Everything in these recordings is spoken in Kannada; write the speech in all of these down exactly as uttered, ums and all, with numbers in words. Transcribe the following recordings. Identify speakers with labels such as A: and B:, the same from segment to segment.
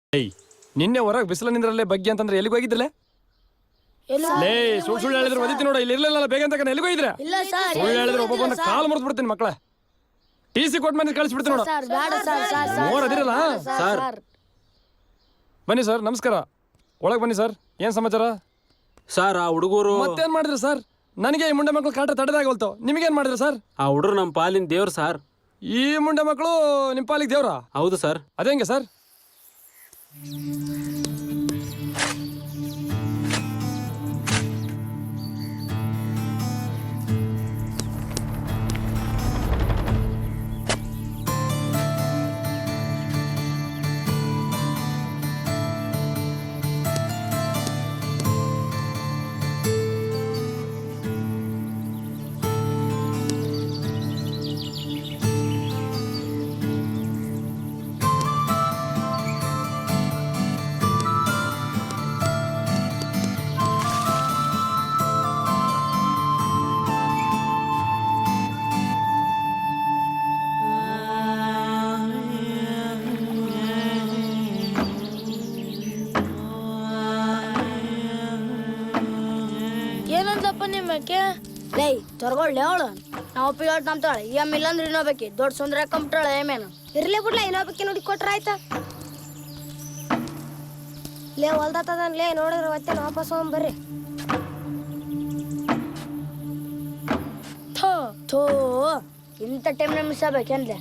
A: ಏಯ್ ನಿನ್ನೆ ಹೊರಗೆ ಬಿಸಿಲು ನಿಂದ್ರಲ್ಲೇ ಬಗ್ಗೆ ಅಂತಂದ್ರೆ ಎಲ್ಲಿಗೆ ಹೋಗಿದ್ದಿಲ್ಲ? ಲೇ ಸುಳ್ಳು ಸುಳ್ಳು ಹೇಳಿದ್ರೆ ಒದಿತಿ ನೋಡ, ಇಲ್ಲಿ ಇರ್ಲಿಲ್ಲ ಬೇಗ ಅಂತ ಎಲ್ಲಿಗೆ ಹೋಗಿದ್ರೆ? ಸುಳ್ಳು ಹೇಳಿದ್ರೆ ಒಬ್ಬೊಬ್ಬನ ಕಾಲು ಮುರಿದು ಬಿಡ್ತೀನಿ ಮಕ್ಕಳ. ಟಿ ಸಿ ಕೊಟ್ಟು ಮಂದಿ ಕಳಿಸ್ಬಿಡ್ತೀನಿ ನೋಡ. ಮೋರ್ ಅದಿರಲ್ಲ ಸರ್. ಬನ್ನಿ ಸರ್, ನಮಸ್ಕಾರ. ಒಳಗೆ ಬನ್ನಿ ಸರ್. ಏನ್ ಸಮಾಚಾರ
B: ಸರ್? ಆ ಹುಡುಗರು
A: ಮತ್ತೇನ್ ಮಾಡಿದ್ರು ಸರ್? ನನಗೆ ಈ ಮುಂಡೆ ಮಕ್ಕಳು ಕಾಟ ತಡೆದಾಗಲ್ತು. ನಿಮಗೇನ್ ಮಾಡಿದ್ರು ಸರ್?
B: ಆ ಹುಡುಗರು ನಮ್ಮ ಪಾಲಿನ ದೇವ್ರು ಸರ್.
A: ಈ ಮುಂಡೆ ಮಕ್ಕಳು ನಿಮ್ಮ ಪಾಲಿಗೆ ದೇವ್ರಾ?
B: ಹೌದು ಸರ್.
A: ಅದೇಂಗೆ ಸರ್?
C: ಏನಂತಪ್ಪ ನಿಮ್ಮಕ್ಕೆ? ಲೈ ತೊರ್ಗೊಳ್ಳೆ ಅವಳು. ನಾವು ಪಿಲಾಟ್ ನಂಬ್ತಾಳೆ. ಈ ಅಮ್ಮ ಇಲ್ಲಂದ್ರೆ ಇನ್ನೊಬ್ಬಕಿ ದೊಡ್ಡ ಸುಂದರ ಕಂಪ್ಟಾಳೆ ಏಮೇನು. ಇರ್ಲಿ ಬಿಡ್ಲ, ಇನ್ನೊಬ್ಬಕಿ ನೋಡಿ ಕೊಟ್ರ ಆಯ್ತಾ? ಲೇ ಹೊಲ್ದತ್ತದನ್ ಲೇ, ನೋಡಿದ್ರೆ ಮತ್ತೆ ವಾಪಸ್ ಹೋಗ್ ಬರ್ರಿ. ಥೋ ಥೋ ಇಂಥ ಟೈಮ್ನ ಮಿಸ್ ಆಗ್ಬೇಕೇನ್ಲೆ?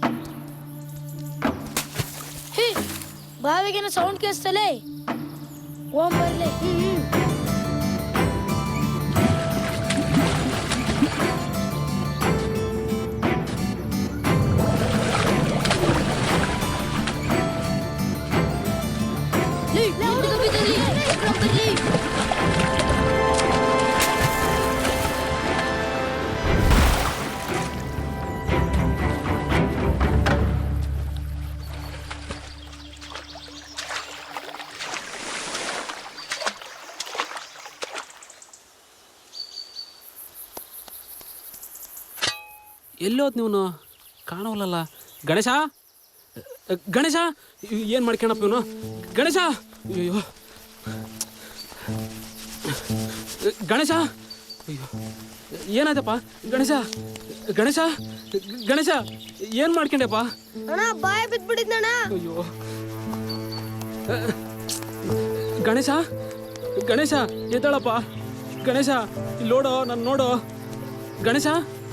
C: ಹೇ ಬಾವಿಗೇನ ಸೌಂಡ್ ಕೇಳಿಸ್ತಲೇ. ಓಂ ಬರ್ಲಿ. ಹ್ಮ್ ಹ್ಮ್
B: ಎಲ್ಲೋದ್ ನೀವು? ಕಾಣವಲ್ಲ. ಗಣೇಶ, ಗಣೇಶ, ಏನ್ ಮಾಡ್ಕೊಳಪ್ಪ ಇವನು? ಗಣೇಶ, ಅಯ್ಯೋ ಗಣೇಶ, ಅಯ್ಯೋ ಏನಾಯ್ತಪ್ಪ? ಗಣೇಶ, ಗಣೇಶ, ಗಣೇಶ, ಏನ್ ಮಾಡ್ಕೊಂಡೆಪ್ಪ?
C: ಅಣ್ಣ ಬಾಯ್ ಬಿದ್ಬಿಟ್ಟಿದ್ನಣ್ಣ.
B: ಅಯ್ಯೋ ಗಣೇಶ, ಗಣೇಶ ಎದ್ದಾಳಪ್ಪ. ಗಣೇಶ ಇಲ್ಲಿ ನೋಡೋ, ನಾನು ನೋಡೋ. ಗಣೇಶ,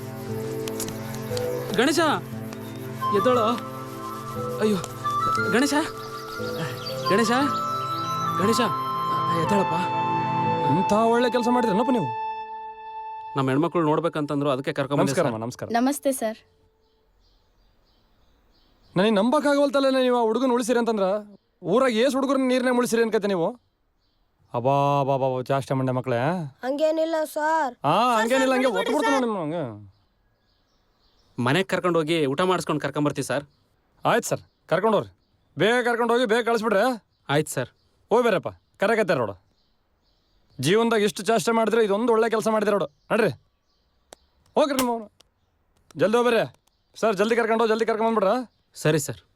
B: ಗಣೇಶ ಎದ್ದೋಳು. ಅಯ್ಯೋ ಗಣೇಶ, ಗಣೇಶ, ಗಣೇಶ ಎದ್ದಾಳಪ್ಪ.
A: ಇಂಥ ಒಳ್ಳೆ ಕೆಲಸ ಮಾಡಿದ್ರನಪ್ಪ ನೀವು.
B: ನಮ್ಮ ಹೆಣ್ಮಕ್ಳು ನೋಡ್ಬೇಕಂತಂದ್ರು, ಅದಕ್ಕೆ ಕರ್ಕೊಂಡ್
A: ನಮಸ್ಕಾರ ನಮಸ್ಕಾರ.
D: ನಮಸ್ತೆ ಸರ್.
A: ನನಗೆ ನಂಬಕ್ಕಾಗವಲ್ತಲ್ಲ ನೀವು ಆ ಹುಡುಗನ ಉಳಿಸಿರಿ ಅಂತಂದ್ರ. ಊರಾಗ ಏಸ್ ಹುಡುಗರನ್ನ ನೀರ್ನಾಗ ಉಳಿಸಿರಿ ಅನ್ಕತ್ತೆ ನೀವು. ಅಬಾ ಬಾ ಬಾ ಜಾಸ್ತಿ ಮಂಡೆ ಮಕ್ಕಳೇ.
C: ಹಂಗೇನಿಲ್ಲ ಸರ್.
A: ಹಾ ಹಂಗೇನಿಲ್ಲ, ಹಂಗೆ ಒತ್ತು ಬಿಡ್ತಾನೆ ನಿಮ್ಮ ಹಂಗೆ.
B: ಮನೆಗೆ ಕರ್ಕೊಂಡು ಹೋಗಿ ಊಟ ಮಾಡಿಸ್ಕೊಂಡು ಕರ್ಕೊಂಬರ್ತೀವಿ ಸರ್.
A: ಆಯ್ತು ಸರ್, ಕರ್ಕೊಂಡೋಗ್ರಿ. ಬೇಗ ಕರ್ಕೊಂಡು ಹೋಗಿ ಬೇಗ ಕಳಿಸ್ಬಿಡ್ರೆ.
B: ಆಯ್ತು ಸರ್.
A: ಹೋಗಿ ಬೇರಪ್ಪ, ಕರೆಕತ್ತಾರ ನೋಡು. ಜೀವನದಾಗ ಇಷ್ಟು ಚಾಷ್ಟೆ ಮಾಡಿದ್ರೆ ಇದೊಂದು ಒಳ್ಳೆ ಕೆಲಸ ಮಾಡಿದ್ರೆ ನೋಡು. ನಡ್ರಿ ಹೋಗ್ರಿ ನಿಮ್ಮ ಜಲ್ದಿ ಹೋಗ್ಬರ್ರಿ ಸರ್. ಜಲ್ದಿ ಕರ್ಕೊಂಡು ಜಲ್ದಿ ಕರ್ಕೊಂಬಂದ್ಬಿಡ್ರ.
B: ಸರಿ ಸರ್.